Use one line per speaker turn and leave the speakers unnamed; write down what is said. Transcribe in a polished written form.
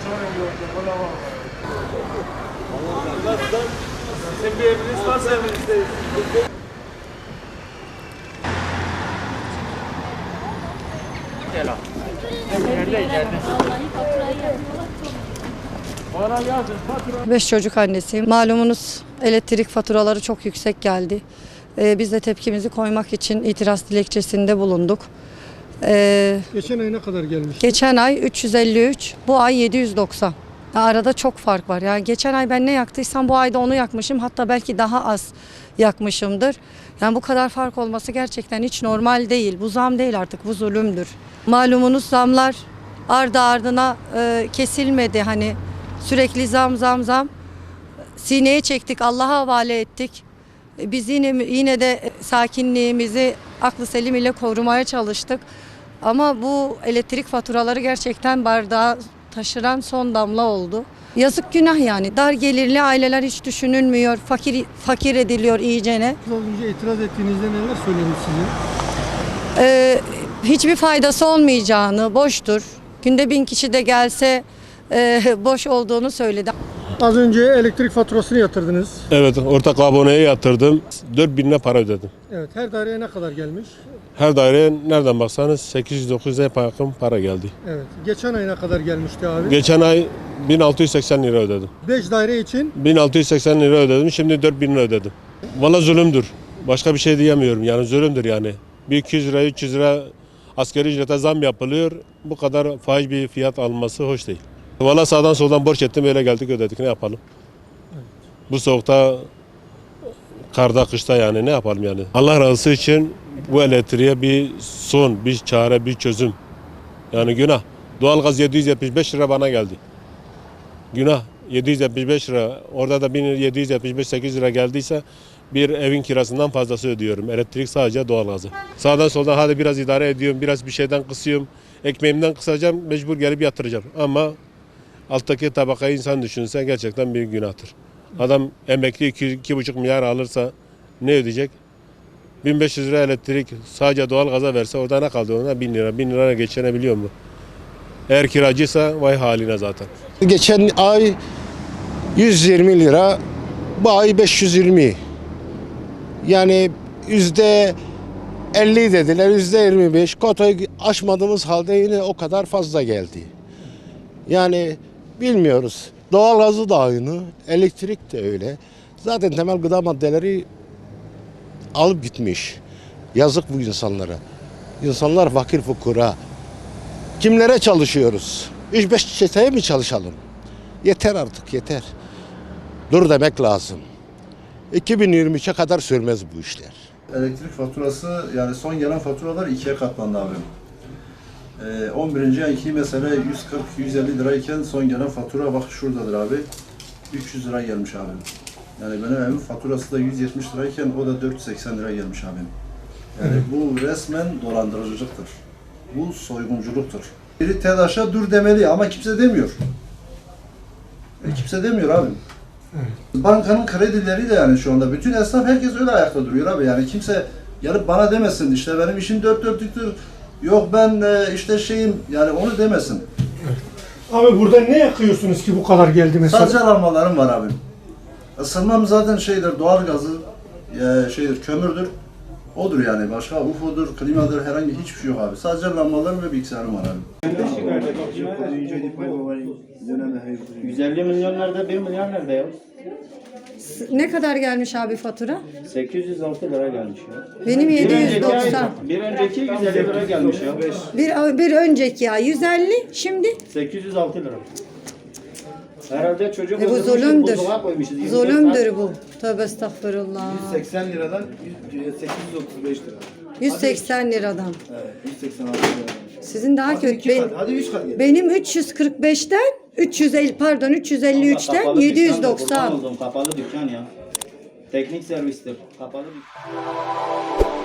Sizin bir eviniz varsa evinizdeyiz. Gel abi. İçeride. Bana yazın fatura.
5 çocuk annesiyim. Malumunuz elektrik faturaları çok yüksek geldi. Biz de tepkimizi koymak için itiraz dilekçesinde bulunduk.
Geçen ay ne kadar gelmiş?
Geçen ay 353, bu ay 790. Arada çok fark var. Yani geçen ay ben ne yaktıysam bu ayda onu yakmışım. Hatta belki daha az yakmışımdır. Yani bu kadar fark olması gerçekten hiç normal değil. Bu zam değil artık, bu zulümdür. Malumunuz zamlar ardı ardına kesilmedi. Hani sürekli zam. Sineye çektik, Allah'a havale ettik. Biz yine de sakinliğimizi aklı selim ile korumaya çalıştık. Ama bu elektrik faturaları gerçekten bardağı taşıran son damla oldu. Yazık, günah yani. Dar gelirli aileler hiç düşünülmüyor. Fakir ediliyor iyicene.
Az önce itiraz ettiğinizde neler söylemiş size?
Hiçbir faydası olmayacağını, boştur. Günde 1000 kişi de gelse boş olduğunu söyledi.
Az önce elektrik faturasını yatırdınız.
Evet, ortak aboneye yatırdım. 4.000 lira para ödedim.
Evet, her daireye ne kadar gelmiş?
Her daireye nereden baksanız 800-900'e yakın para geldi.
Evet. Geçen ay ne kadar gelmişti abi?
Geçen ay 1680 lira ödedim.
5 daire için
1680 lira ödedim, şimdi 4.000 lira ödedim. Valla zulümdür. Başka bir şey diyemiyorum, yani zulümdür yani. Bir 200 lira, 300 lira asgari ücrete zam yapılıyor. Bu kadar fahiş bir fiyat alınması hoş değil. Valla sağdan soldan borç ettim, öyle geldik ödedik, ne yapalım? Bu soğukta, karda, kışta yani ne yapalım yani? Allah razı için bu elektriğe bir son, bir çare, bir çözüm. Yani günah. Doğalgaz 775 lira bana geldi. Günah 775 lira. Orada da 1775-8 lira geldiyse bir evin kirasından fazlası ödüyorum. Elektrik sadece doğalgazı. Sağdan soldan hadi biraz idare ediyorum, biraz bir şeyden kısıyorum. Ekmeğimden kısacağım, mecbur gelip yatıracağım. Ama alttaki tabakayı insan düşünse gerçekten bir günahtır. Adam emekli 2,5 milyar alırsa ne ödeyecek? 1500 lira elektrik sadece doğalgaza verse orada ne kaldı ona? 1000 lira. 1000 liraya geçinebiliyor mu? Eğer kiracıysa vay haline zaten.
Geçen ay 120 lira, bu ay 520. Yani %50 dediler, %25. Kotayı aşmadığımız halde yine o kadar fazla geldi. Yani bilmiyoruz. Doğalgazı da aynı, elektrik de öyle. Zaten temel gıda maddeleri alıp gitmiş. Yazık bu insanlara. İnsanlar fakir fukara. Kimlere çalışıyoruz? 3-5 çeteye mi çalışalım? Yeter artık, yeter. Dur demek lazım. 2023'e kadar sürmez bu işler.
Elektrik faturası, yani son gelen faturalar 2'ye katlandı abim. 11. ayki mesela 140-150 lirayken son gelen fatura bak şuradadır abi. 300 lira gelmiş abim. Yani benim evimin faturası da 170 lirayken o da 480 lira gelmiş abim. Yani bu resmen dolandırıcılıktır. Bu soygunculuktur. Biri TEDAŞ'a dur demeli ama kimse demiyor. Kimse demiyor abim. Bankanın kredileri de yani şu anda bütün esnaf herkes öyle ayakta duruyor abi. Yani kimse gelip bana demesin işte benim işim dört dörtlüktür. Yok ben işte şeyim yani onu demesin.
Abi burada ne yakıyorsunuz ki bu kadar geldi mesela?
Sadece alarmalarım var abim. Isınmam zaten şeydir, doğalgazı, şeydir, kömürdür. Odur yani. Başka UFO'dur, klimadır, herhangi hiçbir şey yok abi. Sadece lambalarım ve bilgisayarım var abi.
150 milyon nerede, 1 milyar nerede ya?
Ne kadar gelmiş abi fatura?
806 lira gelmiş ya.
Benim
Bir önceki
790.
bir önceki 150 lira gelmiş ya.
Bir önceki ay 150, şimdi
806 lira. Herhalde çocuk
bu
öldürmüşüz,
zulümdür.
buzluğa koymuşuz. 24
Zulümdür bu. Tövbe estağfurullah.
180 liradan 835 lira.
180 liradan.
Evet, 186 lira.
Sizin daha
Hadi
kötü.
2 kat, hadi 3 kat gel.
Benim 345'ten 353'ten
Kapalı dükkan,
790.
kurban oldum, kapalı dükkan ya. Teknik servistir. Kapalı dükkan.